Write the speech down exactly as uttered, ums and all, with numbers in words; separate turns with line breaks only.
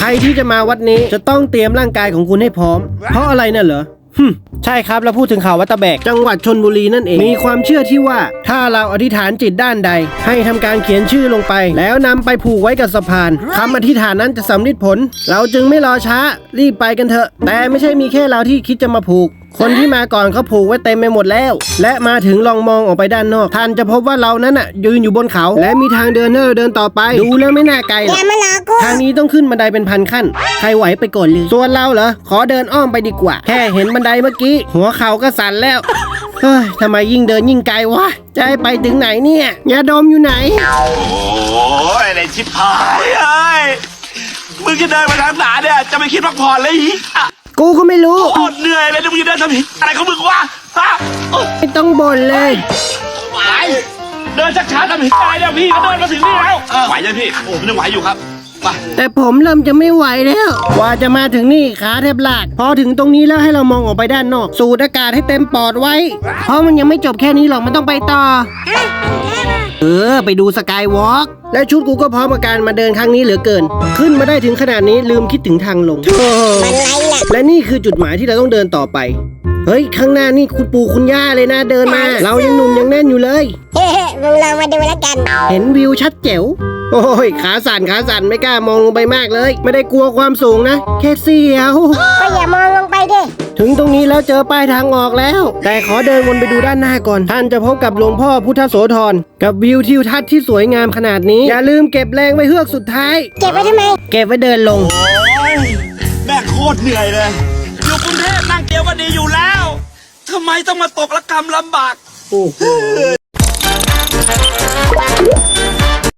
รที่จะมาวัดนี้จะต้องเตรียมร่างกายของคุณให้พร้อมเพราะอะไรน่ะเหรอใช่ครับแล้วพูดถึงเขาวัดตะแบกจังหวัดชลบุรีนั่นเองมีความเชื่อที่ว่าถ้าเราอธิษฐานจิตด้านใดให้ทำการเขียนชื่อลงไปแล้วนำไปผูกไว้กับสะพานคำอธิษฐานนั้นจะสำเร็จผลเราจึงไม่รอช้ารีบไปกันเถอะแต่ไม่ใช่มีแค่เราที่คิดจะมาผูกคนที่มาก่อนเขาผูกไว้เต็มไปหมดแล้วและมาถึงลองมองออกไปด้านนอกท่านจะพบว่าเรานั้นน่ะยืนอยู่บนเขาและมีทางเดินเนอเดินต่อไปดูแล้วไม่น่าไกลหรอกทางนี้ต้องขึ้นบันไดเป็นพันขั้นใครไหวไปก่อนเลยส่วนเราเหรอขอเดินอ้อมไปดีกว่าแค่เห็นบันไดเมื่อกี้หัวเข่าก็สั่นแล้วเฮ้ยทำไมยิ่งเดินยิ่งไกลวะจะให้ไปถึงไหนเนี่ยยาดมอยู่ไหน
โอ้ยอะไรชิบหายเอ้ยมึงจะเดินไปทางไหนเนี่ยจะไม่คิดพักผ่อนเลยอีก
กูก็ไม่รู้
โคตรเหนื่อยเลยมึงจะเดินทำผิดอะไรของมึงวะฮะ
ไม่ต้องบ่นเลย
ไหวเดินช้าๆทำผิดอะไรเนี่ยพี่ก็เดินมาถึงนี่แล้วไหวยังพี่โอ้ผมยังไหวอยู่ครับ
แต่ผมเริ่มจะไม่ไหวแล้วกว่าจะมาถึงนี่ขาแทบลากพอถึงตรงนี้แล้วให้เรามองออกไปด้านนอกสูดอากาศให้เต็มปอดไว้เพราะมันยังไม่จบแค่นี้หรอกมันต้องไปต่อเออไปดูสกายวอล์กและชุดกูก็พร้อมกับการมาเดินครั้งนี้เหลือเกินขึ้นมาได้ถึงขนาดนี้ลืมคิดถึงทางลงและนี่คือจุดหมายที่เราต้องเดินต่อไปเฮ้ยข้างหน้านี่คุณปู่คุณย่าเลยนะเดินมาเรายังหนุ่มยังแน่นอยู่เลย
เฮ้ยมึงลองมาดูแล้วกัน
เห็นวิวชัดแจ๋วโอ้ยขาสั่นขาสั่นไม่กล้ามองลงไปมากเลยไม่ได้กลัวความสูงนะแค่เสียว
ก็อย่ามองลงไปดิ
ถึงตรงนี้แล้วเจอป้ายทางออกแล้วแต่ขอเดินวนไปดูด้านหน้าก่อนท่านจะพบกับหลวงพ่อพุทธโสธรกับวิวทิวทัศน์ที่สวยงามขนาดนี้อย่าลืมเก็บแรงไว้เฮือกสุดท้าย
เก็บไว้ทำไม
เก็บไว้เดินลง
โอ้ยแม่โคตรเหนื่อยเลยอยู่กรุงเทพนั่งเกียวก็ดีอยู่แล้วทำไมต้องมาตกระกรรมลำบากโอ้โห